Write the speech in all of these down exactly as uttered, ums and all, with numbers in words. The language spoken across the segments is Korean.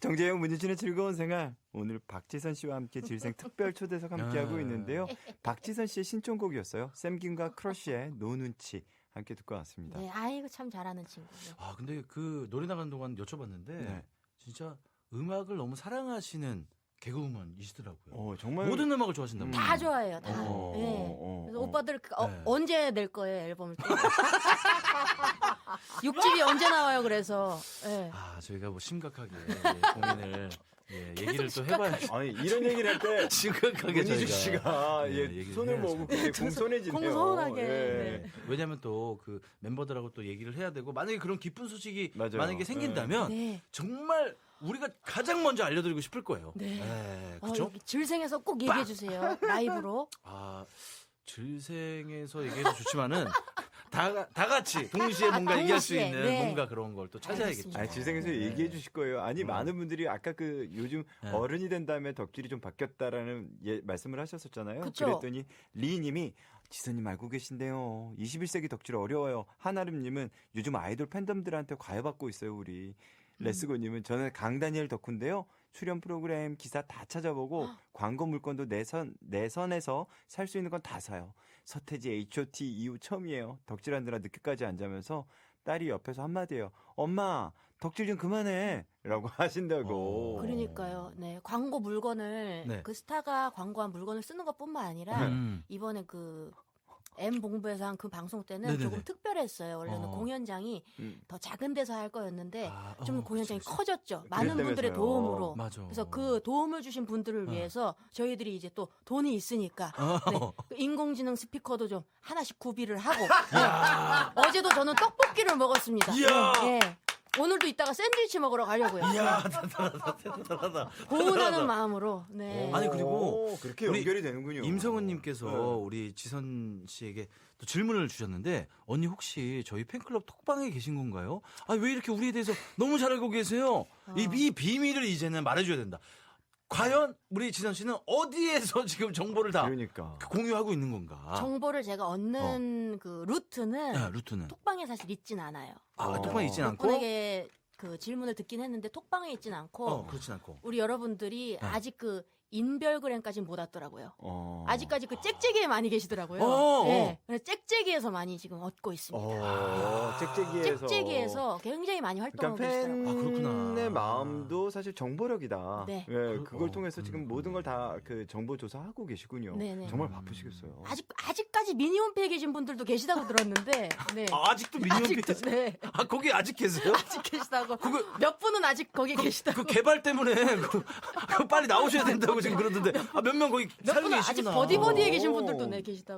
정재영 문희준의 즐거운 생활. 오늘 박지선 씨와 함께 질생 특별 초대석 함께하고 있는데요. 박지선 씨의 신청곡이었어요. 샘김과 크러쉬의 노 눈치 함께 듣고 왔습니다. 네, 아이고 참 잘하는 친구. 네. 아 근데 그 노래 나가는 동안 여쭤봤는데 네. 진짜 음악을 너무 사랑하시는 개그우먼이시더라고요. 어, 정말 모든 음악을 좋아하신다고. 음. 다 좋아해요, 다. 어, 네. 어, 어, 그래서 어. 오빠들 그, 어, 네. 언제 낼 거예요, 앨범을 또? 육집이 언제 나와요, 그래서. 네. 아 저희가 뭐 심각하게 예, 고민을 예, 얘기를 또 해봐야지. 아니 이런 얘기를 할 때 심각하게 문희준 저희가 씨가 예, 예, 얘기를 손을 해야죠. 모으고 굉장히 공손해지네요. 공손하게. 예. 네. 왜냐하면 또 그 멤버들하고 또 얘기를 해야 되고 만약에 그런 기쁜 소식이 맞아요. 만약에 생긴다면 네. 정말 우리가 가장 먼저 알려드리고 싶을 거예요. 네. 네, 어, 그렇죠? 여기 질생에서 꼭 얘기해 주세요. 라이브로. 아 질생에서 얘기해도 좋지만은 다, 다 같이 동시에 아, 뭔가 얘기할 수 동시에. 있는 네. 뭔가 그런 걸 또 찾아야겠죠. 알겠습니다. 아니, 질생에서 네. 얘기해 주실 거예요. 아니, 음. 많은 분들이 아까 그 요즘 네. 어른이 된 다음에 덕질이 좀 바뀌었다라는 예, 말씀을 하셨었잖아요. 그쵸? 그랬더니 리님이 지선님 알고 계신데요. 이십일 세기 덕질 어려워요. 한아름님은 요즘 아이돌 팬덤들한테 과외받고 있어요, 우리. 레스고님은 저는 강다니엘 덕후인데요. 출연 프로그램 기사 다 찾아보고 광고 물건도 내선 내선에서 살 수 있는 건 다 사요. 서태지 에이치 오 티 이후 처음이에요. 덕질하느라 늦게까지 안 자면서 딸이 옆에서 한마디예요. 엄마 덕질 좀 그만해 라고 하신다고. 어. 그러니까요. 네. 광고 물건을 네. 그 스타가 광고한 물건을 쓰는 것뿐만 아니라 음. 이번에 그 M 본부에서 한 그 방송 때는 네네네. 조금 특별했어요. 원래는 어. 공연장이 음. 더 작은 데서 할 거였는데 아, 좀 어, 공연장이 그치, 그치. 커졌죠. 많은 분들의 그랬다면서요. 도움으로. 맞아. 그래서 그 도움을 주신 분들을 어. 위해서 저희들이 이제 또 돈이 있으니까 어. 네, 그 인공지능 스피커도 좀 하나씩 구비를 하고 네. 어제도 저는 떡볶이를 먹었습니다. 이야. 네, 네. 오늘도 이따가 샌드위치 먹으러 가려고요. 이야 대단하다 대단하다. 고운하는 마음으로. 네. 아니, 그리고 오, 그렇게 우리 연결이 되는군요. 임성은님께서 네. 우리 지선 씨에게 또 질문을 주셨는데 언니 혹시 저희 팬클럽 톡방에 계신 건가요? 아 왜 이렇게 우리에 대해서 너무 잘 알고 계세요? 이, 이 비밀을 이제는 말해줘야 된다. 과연 우리 지선 씨는 어디에서 지금 정보를 다 그러니까. 공유하고 있는 건가? 정보를 제가 얻는 그 루트는 아, 루트는 톡방에 사실 있진 않아요. 아 어. 톡방에 있진 몇 않고 분에게 그 질문을 듣긴 했는데 톡방에 있진 않고 어 그렇진 않고 우리 여러분들이 네. 아직 그 인별그램까지는 못 왔더라고요. 어. 아직까지 그 짹짹이에 많이 계시더라고요. 어, 네. 그래서 짹짹이에서 많이 지금 얻고 있습니다. 어, 짹짹이에서. 짹짹이에서 굉장히 많이 활동하고 그러니까 계시더라고요. 아, 그렇구나. 팬의 마음도 사실 정보력이다. 네. 예, 그걸 어, 통해서 음, 지금 음. 모든 걸 다 그 정보 조사하고 계시군요. 네네. 정말 바쁘시겠어요. 아직 아직까지 미니홈피에 계신 분들도 계시다고 들었는데, 네. 아, 아직도 미니홈피 아직도, 네. 아 거기 아직 계세요? 아직 계시다고. 몇 분은 아직 거기 계시다고. 그 개발 때문에 그, 그 빨리 나오셔야 된다고 지금 그러던데 아, 몇 명 거기 몇 살고 분은 아직 계시구나. 버디버디에 계신 오. 분들도 네 계시다고.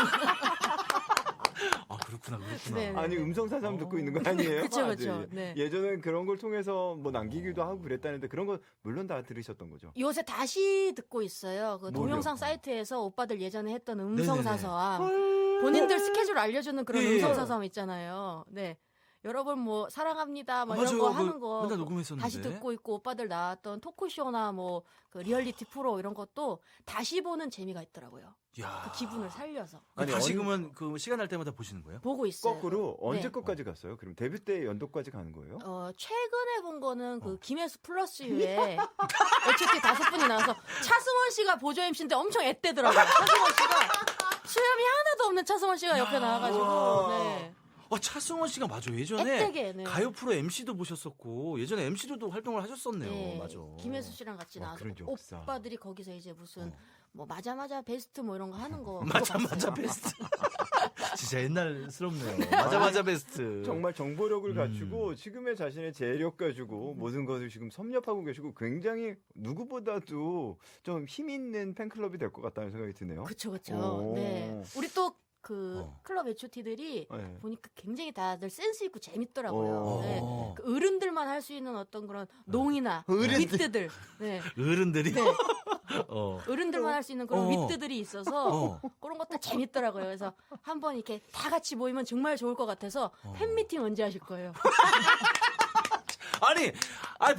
아 그렇구나 그렇구나. 네, 네. 아니 음성 사상 듣고 있는 거 아니에요? 그쵸, 아직. 그쵸. 네. 예전엔 그런 걸 통해서 뭐 남기기도 하고 그랬다는데 그런 거 물론 다 들으셨던 거죠. 요새 다시 듣고 있어요. 그 뭐요? 동영상 사이트에서 오빠들 예전에 했던 음성 네네네. 사서함. 본인들 스케줄 알려주는 그런 예, 예. 음성 사서함 있잖아요. 네. 여러분 뭐 사랑합니다 뭐 이런 맞아요. 거 그 하는 거 맨날 녹음했었는데. 다시 듣고 있고 오빠들 나왔던 토크쇼나 뭐 그 리얼리티 프로 이런 것도 다시 보는 재미가 있더라고요. 야. 그 기분을 살려서 그 아니, 다시 언- 그러면 그 시간 날 때마다 보시는 거예요? 보고 있어요. 거꾸로 언제 네. 것까지 갔어요? 그럼 데뷔 때 연도까지 가는 거예요? 어, 최근에 본 거는 그 어. 김혜수 플러스 유에 에이치오티 다섯 분이 나와서 차승원 씨가 보조 엠씨인데 엄청 앳되더라고요. 차승원 씨가 수염이 하나도 없는 차승원 씨가 옆에 나와가지고 우와. 네. 아 차승원 씨가 맞아 예전에 앳되게 네. 가요 프로 엠씨도 보셨었고 예전에 엠씨로도 활동을 하셨었네요. 네, 맞아. 김혜수 씨랑 같이 와, 나와서 그런 적 없어. 오빠들이 거기서 이제 무슨 어. 뭐 맞아 맞아 베스트 뭐 이런 거 하는 거 맞아 그거 맞아 봤어요. 베스트. 진짜 옛날스럽네요. 맞아 맞아 베스트. 정말 정보력을 음. 갖추고 지금의 자신의 재력 가지고 모든 것을 지금 섭렵하고 계시고 굉장히 누구보다도 좀 힘 있는 팬클럽이 될 것 같다는 생각이 드네요. 그쵸 그쵸. 오. 네, 우리 또 그 어. 클럽 에이치오티들이 네. 보니까 굉장히 다들 센스 있고 재밌더라고요. 어. 네. 그 어른들만 할 수 있는 어떤 그런 농이나 어른들. 위트들, 네. 어른들이. 네. 어. 어른들만 할 수 있는 그런 어. 위트들이 있어서 어. 그런 것도 재밌더라고요. 그래서 한번 이렇게 다 같이 모이면 정말 좋을 것 같아서 팬미팅 언제 하실 거예요? 아니, 아니 박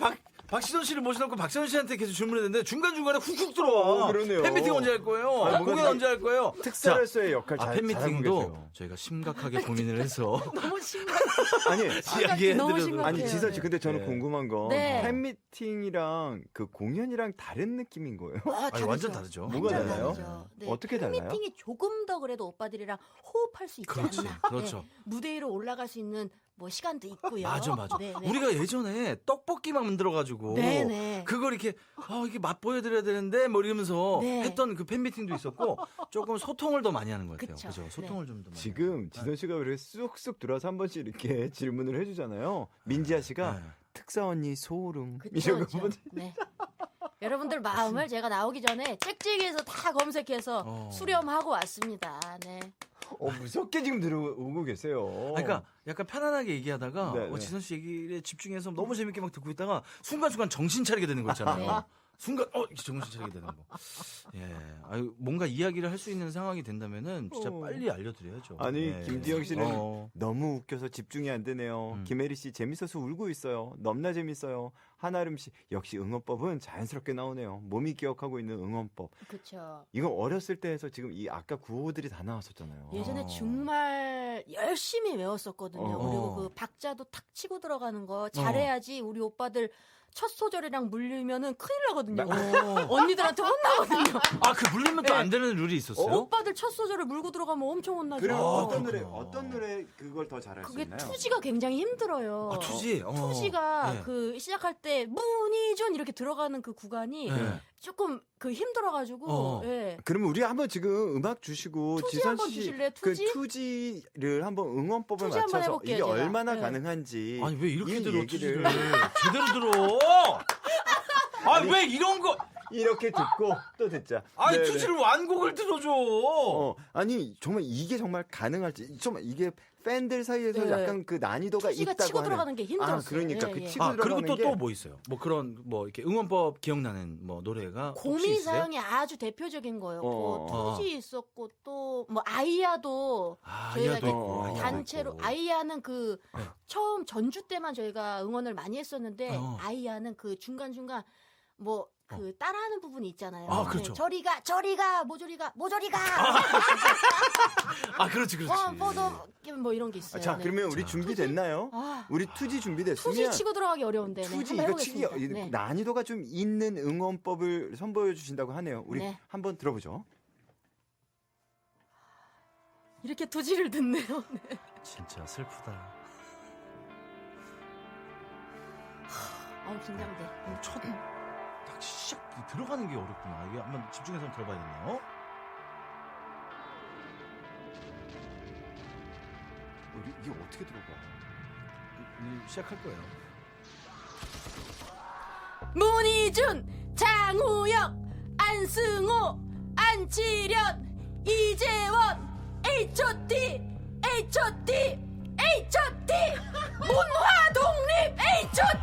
박시선 씨를 모셔놓고 박시선 씨한테 계속 질문했는데 중간중간에 훅훅 들어와. 어, 그러네요. 팬미팅 언제 할 거예요? 아니, 아, 공연 뭔가 언제 할 거예요? 특사로서의 역할 아, 잘 잘하고 팬미팅도 계세요. 저희가 심각하게 고민을 해서 너무 심각. 아니 이야기해드려도 너무 심각해요. 아니 지선 씨 근데 저는 네. 궁금한 건 네. 팬미팅이랑 그 공연이랑 다른 느낌인 거예요? 아, 아니, 완전 다르죠. 뭐가 완전 달라요? 다르죠. 네. 어떻게 달라요? 팬미팅이 조금 더 그래도 오빠들이랑 호흡할 수 있지 그렇지, 않나. 그렇죠. 네. 무대 위로 올라갈 수 있는 뭐 시간도 있고요. 맞아 맞아. 네, 네. 우리가 예전에 떡볶이만 만들어가지고 네, 네. 그걸 이렇게 아 이게 맛 보여드려야 되는데 뭐 이러면서 네. 했던 그 팬미팅도 있었고 조금 소통을 더 많이 하는 것 같아요. 그쵸. 그죠? 소통을 좀 더 많이. 지금 지선 씨가 왜 쑥쑥 들어와서 한 번씩 이렇게 질문을 해주잖아요. 민지아 씨가 네. 특사 언니 소름 그쵸, 이런 거 그쵸. 한번 네. 여러분들 마음을 제가 나오기 전에 책지기에서 다 검색해서 어. 수렴하고 왔습니다. 네. 어, 무섭게 지금 들어오고 계세요. 그러니까 약간 편안하게 얘기하다가 네, 어, 네. 지선 씨 얘기에 집중해서 너무 재밌게 막 듣고 있다가 순간순간 정신 차리게 되는 거 있잖아요. 네. 순간 어 정신 차리게 되는 거. 예, 아유, 뭔가 이야기를 할 수 있는 상황이 된다면은 진짜 어. 빨리 알려드려야죠. 아니 예. 김지영 씨는 어. 너무 웃겨서 집중이 안 되네요. 음. 김혜리 씨 재밌어서 울고 있어요. 넘나 재밌어요. 한아름 씨 역시 응원법은 자연스럽게 나오네요. 몸이 기억하고 있는 응원법. 그렇죠. 이건 어렸을 때 해서 지금 이 아까 구호들이 다 나왔었잖아요. 예전에 어. 정말 열심히 외웠었거든요. 어. 그리고 그 박자도 탁 치고 들어가는 거 잘해야지 우리 오빠들 첫 소절이랑 물리면은 큰일 나거든요. 어. 언니들한테 혼나거든요. 아, 그 물리면 또 네. 안 되는 룰이 있었어요? 오빠들 첫 소절을 물고 들어가면 엄청 혼나죠. 그럼 아, 어떤 노래 그렇구나. 어떤 노래 그걸 더 잘할 수 그게 있나요? 투지가 굉장히 힘들어요. 아, 투지. 어. 투지가 네. 그 시작할 때 문희준 이렇게 들어가는 그 구간이 네. 조금 그 힘들어가지고 어. 예. 그러면 우리 한번 지금 음악 주시고 투지 지선 한번 씨 주실래요? 그 투지? 투지를 한번 응원법을 투지 한번 맞춰서 해볼게요, 이게 제가. 얼마나 네. 가능한지 아니, 왜 이렇게 이 들어, 얘기를 투지를. 제대로 들어! 아니, 왜 이런 거. 이렇게 듣고 또 듣자. 아니, 네네. 투지를 완곡을 들어줘! 어, 아니 정말 이게 정말 가능할지 정말 이게 팬들 사이에서 네. 약간 그 난이도가 투지가 있다고 치고 하는. 들어가는 게 힘들었어요. 아, 그러니까 예, 그 예. 치고 아, 그리고 들어가는 또 게 또 뭐 있어요? 뭐 그런, 뭐 이렇게 응원법 기억나는 뭐 노래가. 혹시 고미 있어요? 사형이 아주 대표적인 거였고 어. 투지 있었고 또 뭐 아이야도 아, 저희가 아이야도 이제 있고. 아이야도 단체로 있고. 아이야는 그 네. 처음 전주 때만 저희가 응원을 많이 했었는데 어. 아이야는 그 중간 중간 뭐 그 따라하는 부분이 있잖아요. 아, 그렇죠. 네, 저리가 저리가 모조리가 모조리가 아, 그렇지, 그렇지. 어, 뻗어 뭐 이런 게 있어요. 자 네. 그러면 우리 자, 준비됐나요? 아, 우리 투지 준비됐으면 투지 치고 들어가기 어려운데 네, 투지 한번 이거 치기 해보겠습니다. 이- 네. 난이도가 좀 있는 응원법을 선보여 주신다고 하네요. 우리 네. 한번 들어보죠. 이렇게 투지를 듣네요. 네. 진짜 슬프다. 아우 긴장돼. 어, 첫, 딱 시작, 들어가는 게 어렵구나. 이게 한번 집중해서 한번 들어봐야겠네요. 우리 이게 어떻게 들어가? 이- 이- 시작할 거예요. 문희준, 장우혁, 안승호, 안치련, 이재원, 에이치 오 티, 에이치 오 티, 에이치 오 티, 문화독립 에이치 오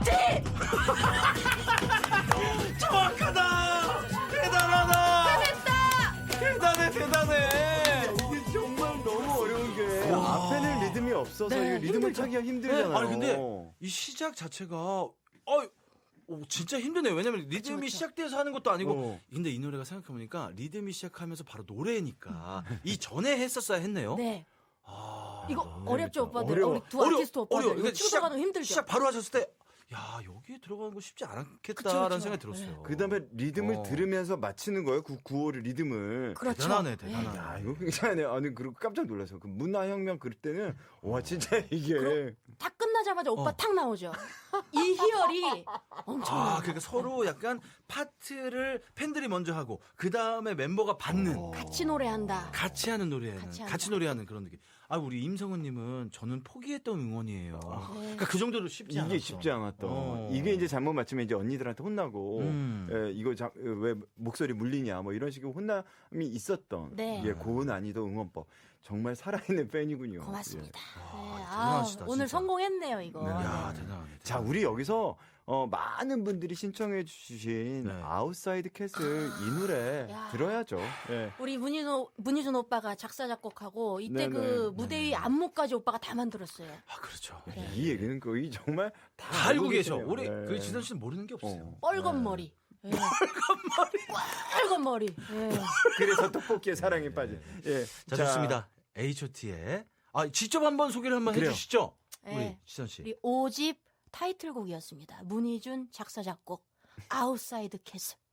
티. 정확하다! 대단하다! 됐다. 대단해, 대단해! 이게 정말 너무 어려운 게 와. 앞에는 리듬이 없어서 네, 이 리듬을 힘들죠. 타기가 힘들잖아요. 아니, 근데 이 시작 자체가, 어, 오, 진짜 힘드네요. 왜냐면 리듬이 그쵸. 시작돼서 하는 것도 아니고. 어. 근데 이 노래가 생각해보니까 리듬이 시작하면서 바로 노래니까 이 전에 했었어야 했네요. 네. 아, 이거 너무 어렵죠, 재밌다. 오빠들. 어려워. 우리 두 아티스트 오빠들. 어려워. 이거 그러니까 치고 시작- 들어가는 거 힘들죠. 시작 바로 하셨을 때, 야, 여기에 들어가는 거 쉽지 않았겠다라는 그쵸, 그쵸. 생각이 들었어요. 그다음에 리듬을 어. 들으면서 맞히는 거예요. 그 구호를 리듬을. 그렇죠. 대단하네, 대단하네. 야, 이거 굉장하네요. 아니 그리고 깜짝 놀라서 그 문화혁명 그럴 때는 와 진짜 이게 그럼- 다 끝나자마자 오빠 어. 탁 나오죠. 이 희열이 엄청. 아, 그러니까 서로 약간 파트를 팬들이 먼저 하고 그 다음에 멤버가 받는 어. 같이 노래한다. 같이 하는 노래는 같이 같이, 한다. 노래하는 그런 느낌. 아, 우리 임성은님은 저는 포기했던 응원이에요. 네. 그러니까 그 정도로 쉽지 않았어. 이게 쉽지 않았던. 어. 이게 이제 잘못 맞추면 이제 언니들한테 혼나고 음. 예, 이거 자, 왜 목소리 물리냐 뭐 이런 식의 혼남이 있었던 네. 예, 고난이도 응원법. 정말 살아있는 팬이군요. 고맙습니다. 와, 네. 아, 대단하시다, 오늘 진짜. 성공했네요 이거. 네. 야, 네. 대단하네. 자, 우리 여기서 어, 많은 분들이 신청해 주신 네. 아웃사이드 캐슬 이 노래 야. 들어야죠. 예. 우리 문희준, 문희준 오빠가 작사 작곡하고 이때 네네. 그 무대 위 안무까지 오빠가 다 만들었어요. 아 그렇죠. 네. 이 얘기는 거의 정말 다, 다 알고 계셔. 계시네요. 우리 예. 그 지선 씨는 모르는 게 없어요. 어. 뻘건 머리. 예. 뻘건 머리. 뻘건 머리. 예. 그래서 떡볶이에 사랑에 빠진. 예. 자, 좋습니다. 에이치 오 티의 아 직접 한번 소개를 한번 그래요. 해주시죠. 예. 우리 지선 씨. 우리 오 집 타이틀곡이었습니다. 문희준 작사 작곡 아웃사이드 캐슬.